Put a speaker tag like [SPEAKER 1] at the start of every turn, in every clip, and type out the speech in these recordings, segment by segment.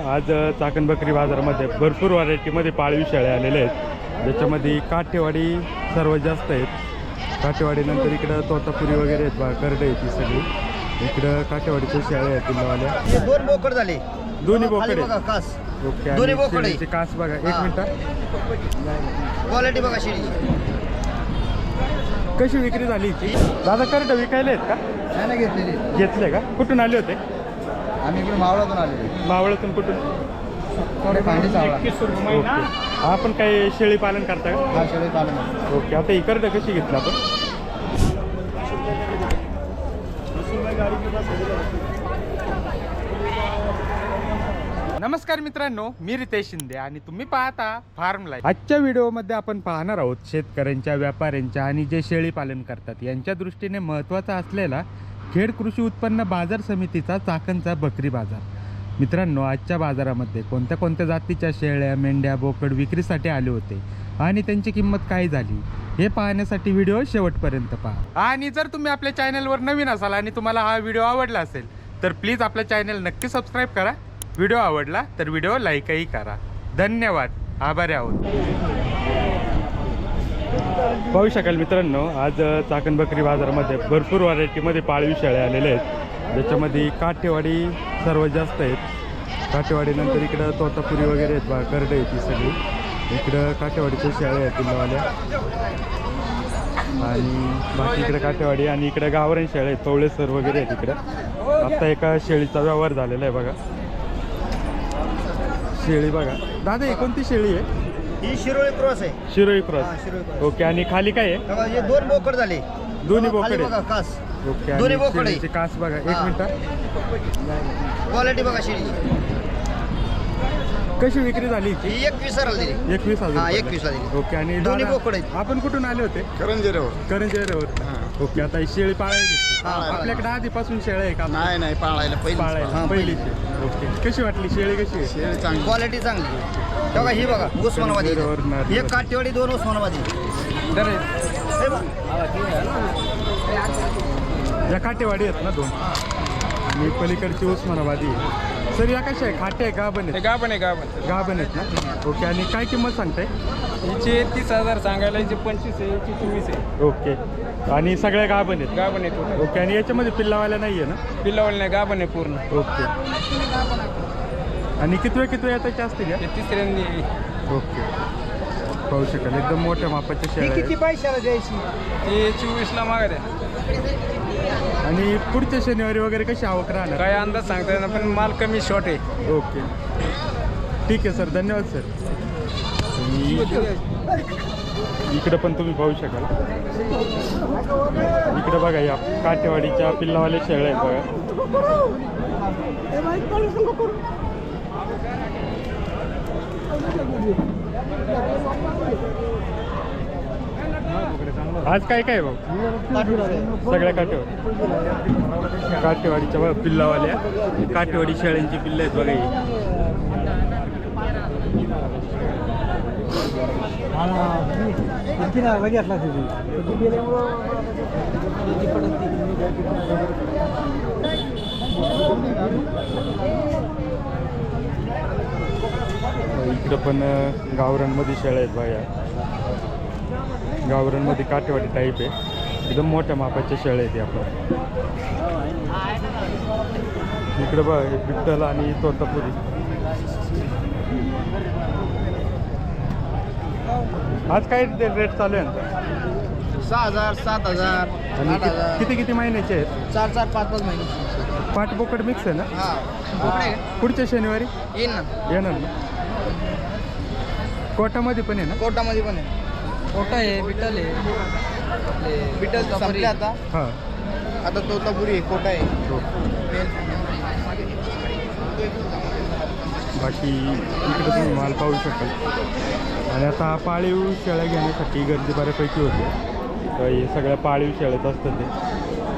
[SPEAKER 1] आज चाकण बकरी बाजारामध्ये भरपूर व्हरायटीमध्ये पाळीव शेळ्या आलेल्या आहेत, ज्याच्यामध्ये काठेवाडी सर्वात जास्त आहेत. काठेवाडीनंतर इकडं तोतापुरी वगैरे आहेत, बा करडे आहेत ही सगळी. इकडं काठेवाडीच्या शेळ्या आहेत पिल्लावाल्या.
[SPEAKER 2] हे दोन बोकड झाले,
[SPEAKER 1] दोन्ही बोकडे
[SPEAKER 2] बघा कास.
[SPEAKER 1] ओके.
[SPEAKER 2] दोन्ही
[SPEAKER 1] आणि
[SPEAKER 2] बोकडे.
[SPEAKER 1] शेळीचे कास बघा, एक मिनिट.
[SPEAKER 2] क्वालिटी बघा शेळीची.
[SPEAKER 1] कशी विक्री झाली हिची? दादा करडे विकायला आहेत का?
[SPEAKER 2] नाही घेतलेली.
[SPEAKER 1] घेतले का? कुठून आले होते?
[SPEAKER 2] आम्ही इकडे मावळातून आलेलो.
[SPEAKER 1] मावळातून कुठून?
[SPEAKER 2] थोडे पाणी चावला.
[SPEAKER 1] ओके. आपण काही शेळी पालन करता का?
[SPEAKER 2] हा शेळी पालन.
[SPEAKER 1] ओके. आता ही करडे कशी घेतलं आपण? नमस्कार मित्रांनो, मी रितेश शिंदे आणि तुम्ही पाहता फार्म लाईफ. आजच्या व्हिडिओमध्ये आपण पाहणार आहोत शेतकऱ्यांच्या, व्यापाऱ्यांच्या आणि जे शेळी पालन करतात यांच्या दृष्टीने महत्त्वाचा असलेला खेड कृषी उत्पन्न बाजार समितीचा चाकणचा बकरी बाजार. मित्रांनो, आजच्या बाजारामध्ये कोणत्या कोणत्या जातीच्या शेळ्या, मेंढ्या, बोकड विक्रीसाठी आले होते आणि त्यांची किंमत काय झाली हे पाहण्यासाठी व्हिडिओ शेवटपर्यंत पहा. आणि जर तुम्ही आपल्या चॅनलवर नवीन असाल आणि तुम्हाला हा व्हिडिओ आवडला असेल तर प्लीज आपल्या चॅनल नक्की सबस्क्राईब करा. व्हिडिओ आवडला तर व्हिडिओ लाईकही करा. धन्यवाद, आभारी आहोत. पाहू शकाल मित्रांनो, आज चाकण बकरी बाजारामध्ये भरपूर व्हरायटीमध्ये पाळीव शेळ्या आलेल्या आहेत, ज्याच्यामध्ये काठेवाडी सर्वात जास्त आहेत. काठेवाडीनंतर इकडं तोतापुरी वगैरे आहेत, बा करडे आहेत ही सगळी. इकडं काठेवाडीच्या शेळ्या आहेत पिल्लावाल्या, आणि बाकी इकडे काठेवाडी आणि इकडे गावरान शेळ्या आहेत, तवळेसर वगैरे आहेत इकडं. आत्ता एका शेळीचा व्यवहार झालेला आहे बघा. शेळी बघा दादा, ही कोणती शेळी आहे?
[SPEAKER 2] ही शिरोळी क्रॉस आहे.
[SPEAKER 1] शिरोई
[SPEAKER 2] हा,
[SPEAKER 1] क्रॉस.
[SPEAKER 2] शिरोळी क्रॉस.
[SPEAKER 1] ओके. आणि खाली काय आहे?
[SPEAKER 2] बघा, हे दोन बोकड झाले.
[SPEAKER 1] दोन्ही
[SPEAKER 2] खाली
[SPEAKER 1] बोकडे.
[SPEAKER 2] बघा कास.
[SPEAKER 1] ओके.
[SPEAKER 2] दोन्ही
[SPEAKER 1] आणि
[SPEAKER 2] बोकडे.
[SPEAKER 1] शेळीचे कास बघा, एक
[SPEAKER 2] हा.
[SPEAKER 1] मिनिट.
[SPEAKER 2] क्वालिटी बघा शेळीची.
[SPEAKER 1] कशी विक्री झाली हिची?
[SPEAKER 2] ही 21,000 दिली.
[SPEAKER 1] 21,000.
[SPEAKER 2] हा, 21,000 दिली.
[SPEAKER 1] ओके. आणि
[SPEAKER 2] दोन्ही
[SPEAKER 1] दादा,
[SPEAKER 2] बोकडे आहेत.
[SPEAKER 1] आपण कुठून आले होते? करंजेवर. ओके. आता ही शेळी पाळायची.
[SPEAKER 2] हा,
[SPEAKER 1] आपल्याकडे आधीपासून शेळ्या आहे का?
[SPEAKER 2] नाही पाळायला
[SPEAKER 1] पाळायला पहिलीची. ओके. कशी वाटली शेळी? कशी आहे?
[SPEAKER 2] क्वालिटी चांगली. बघा ही बघा उस्मानाबादी.
[SPEAKER 1] करंजेवर
[SPEAKER 2] एक काठेवाडी, दोन उस्मानाबादी. हे बघा.
[SPEAKER 1] या काटेवाडी आहेत ना दोन, आणि पलीकडची उस्मानाबादी आहे. सर या कशा आहे? खाटे आहे, गाभण आहेत?
[SPEAKER 3] गाभण
[SPEAKER 1] गाभण आहेत ना. ओके. आणि काय किंमत सांगताय?
[SPEAKER 3] हिचे 30,000 सांगायला, हिचे 25 आहे, हिची 24 आहे.
[SPEAKER 1] ओके. आणि सगळ्या गाभण आहेत?
[SPEAKER 3] गाभण आहे पूर्ण.
[SPEAKER 1] ओके. आणि याच्यामध्ये पिल्लावाल्या नाही आहे ना?
[SPEAKER 3] पिल्लावल नाही, गाभण आहे पूर्ण.
[SPEAKER 1] ओके. आणि कितव्या याच्याच्या असतील या?
[SPEAKER 3] हे तिसऱ्यांदी.
[SPEAKER 1] ओके. पाहू शकाल एकदम मोठ्या मापाच्या शेळ्या आहेत.
[SPEAKER 2] पैशाला द्यायची?
[SPEAKER 3] ती 24ला मागत आहे.
[SPEAKER 1] आणि पुढच्या शनिवारी वगैरे कशी आवक राहणार?
[SPEAKER 3] काय अंदाज सांगता येणार, पण माल कमी शॉर्ट आहे.
[SPEAKER 1] ओके. ठीक आहे सर, धन्यवाद सर. इकडं पण तुम्ही पाहू शकाल. इकडे बघा या काठेवाडीच्या पिल्लावाल्या शेळ्या आहेत बघा. आज काय काय भाऊ? सगळ्या काठेवाडीच्या बघा पिल्लावाल्या, काठेवाडी शेळ्यांची पिल्लं आहेत बघा ही. इकडं पण गावरांमध्ये शेळ्या आहेत बघा. गावरांमध्ये काठेवाडी टाईप आहे, एकदम मोठ्या मापाच्या शेळ्या आहेत आपण. इकडं बघा हे बिट्टल आणि तोतापुरी. आज काय रेट चालू आहे?
[SPEAKER 2] 6,000, 7,000,
[SPEAKER 1] आणि
[SPEAKER 2] 8,000.
[SPEAKER 1] किती किती महिन्याचे आहेत?
[SPEAKER 2] 4-4, 5-5 महिने.
[SPEAKER 1] पाट बोकड मिक्स आहे ना?
[SPEAKER 2] हा.
[SPEAKER 1] पुढच्या शनिवारी
[SPEAKER 2] येईन ना.
[SPEAKER 1] येणार ना? कोटामध्ये पण आहे ना?
[SPEAKER 2] कोटामध्ये पण आहे. कोटा आहे, बिटल आहे. बिटल संपले आता.
[SPEAKER 1] हां.
[SPEAKER 2] आता तोतापुरी आहे, कोटा आहे.
[SPEAKER 1] बाकी इकडे तुम्ही माल पाहू शकाल. आणि आता पाळीव शेळ्या घेण्यासाठी गर्दी बऱ्यापैकी होते. तर हे सगळ्या पाळीव शेळ्याच असतात ते.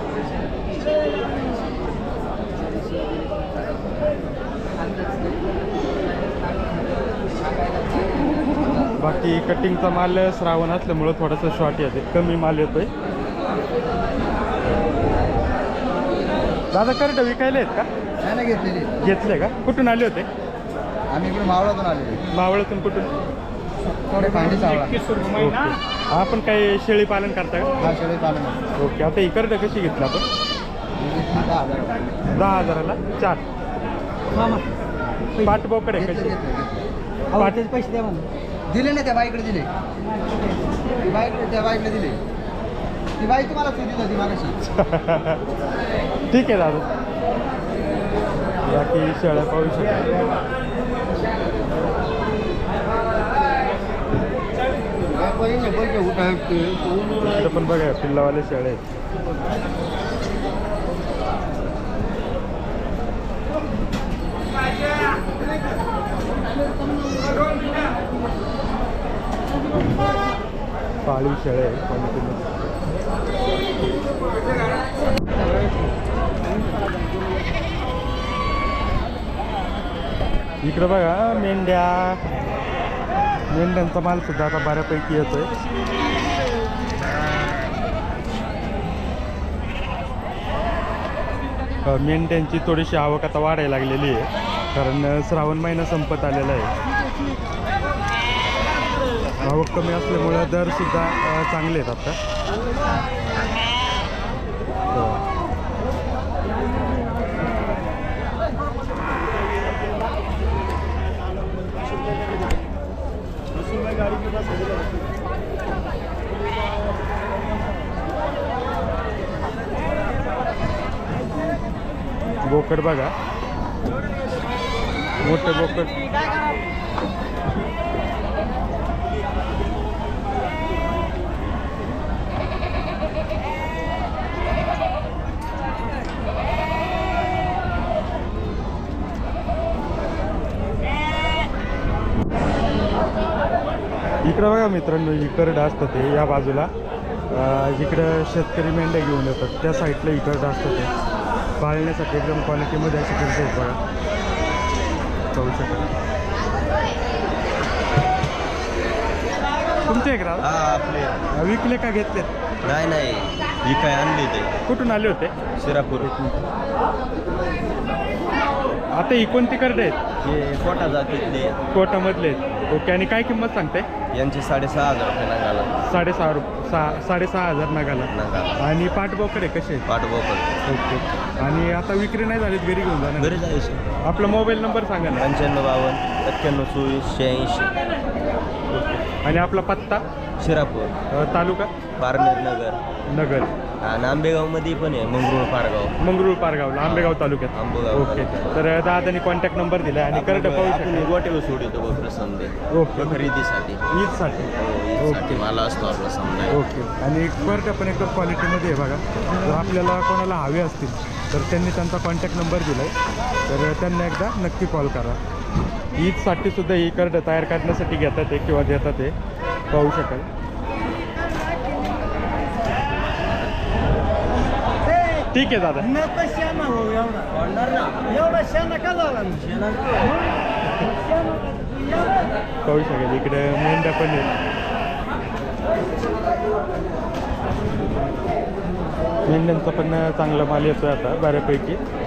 [SPEAKER 1] बाकी कटिंगचा माल श्रावण असल्यामुळं थोडासा शॉर्ट येते, कमी माल येतोय. दादा करडे विकायला आहेत का?
[SPEAKER 2] नाही घेतलेली.
[SPEAKER 1] घेतले का? कुठून आले होते?
[SPEAKER 2] आम्ही इकडे मावळातून आलेलो
[SPEAKER 1] मावळातून कुठून?
[SPEAKER 2] थोडे भांडी चावला.
[SPEAKER 1] ओके. आपण काही शेळी पालन करता का?
[SPEAKER 2] हा शेळी पालन आहे.
[SPEAKER 1] ओके. आता ही करडं कशी घेतली आपण?
[SPEAKER 2] ही घेतली 10,000.
[SPEAKER 1] 10,000ला 4. पाट बोकड आहे कशी?
[SPEAKER 2] पाठीचे पैसे द्या म्हणून दिले ना त्या बाईकडे दिले. त्या बाईकडे दिले. ती बाई तुम्हाला सुधी होती मागाशी.
[SPEAKER 1] ठीक आहे दादा. बाकी शेळ्या पाहू शकतो. इकडं पण बघा पिल्लावाले शेळे आहेत. पाळीव शेळे आहे क्वालिटीमध्ये. इकडं बघा मेंढ्यांचा माल सुद्धा आता बऱ्यापैकी येतोय. मेंढ्यांची थोडीशी आवक आता वाढायला लागलेली आहे, कारण श्रावण महिना संपत आलेला आहे. आवक कमी असल्यामुळं दर सुद्धा चांगले आहेत आता. बोकड बघा, मोठे बोकड. इकडं बघा मित्रांनो, इकडं असतं ते या बाजूला. जिकडं शेतकरी मेंढ्या घेऊन येतात त्या साईडला इकडं असतं ते. पाळण्यासाठी एकदम क्वालिटीमध्ये अशी करते बघा, पाहू शकाल. तुमचे एक राव
[SPEAKER 2] आपले
[SPEAKER 1] विकले का घेतले?
[SPEAKER 2] नाही ही काय आणली ते
[SPEAKER 1] कुठून आले होते?
[SPEAKER 2] शिरापूर.
[SPEAKER 1] आता ही कोणती करडे आहेत?
[SPEAKER 2] हे कोटा जातीतले
[SPEAKER 1] कोटामधले आहेत. ओके. आणि काय किंमत सांगते
[SPEAKER 2] यांचे 6,500 रुपये नगाला.
[SPEAKER 1] 6,500 नगाला. आणि पाठबोकडे कसे आहेत?
[SPEAKER 2] पाठबोकड.
[SPEAKER 1] ओके. आणि आता विक्री नाही झालीत, घरी घेऊन जाणार?
[SPEAKER 2] घरी जायचं.
[SPEAKER 1] आपला मोबाईल नंबर सांगा ना.
[SPEAKER 2] 9552 91 24 86.
[SPEAKER 1] आणि आपला पत्ता?
[SPEAKER 2] शिरापूर
[SPEAKER 1] तालुका?
[SPEAKER 2] पारनेर नगर. आणि आंबेगावमध्ये पण आहे मंगरूळ
[SPEAKER 1] पारगावला, आंबेगाव तालुक्यात.
[SPEAKER 2] आंबेगाव.
[SPEAKER 1] ओके. तर दादानी कॉन्टॅक्ट नंबर दिला आणि करड पाहू शकतो.
[SPEAKER 2] गोटेवर सोडतो बघ समजे.
[SPEAKER 1] ओके.
[SPEAKER 2] खरेदीसाठी
[SPEAKER 1] ईदसाठी.
[SPEAKER 2] ओके. मला असतो आपला समजा.
[SPEAKER 1] ओके. आणि करड पण एकदम क्वालिटीमध्ये आहे बघा. जर आपल्याला कोणाला हवे असतील तर त्यांनी त्यांचा कॉन्टॅक्ट नंबर दिला आहे, तर त्यांना एकदा नक्की कॉल करा. ईदसाठी सुद्धा ही करड तयार करण्यासाठी घेतात आहे किंवा देतात आहे, पाहू शकाल. ठीक आहे दादा. पाहू शकेल इकडे मेंढ्या पण आहेत. मेंढ्यांचा पण चांगला माल येतोय आता बऱ्यापैकी.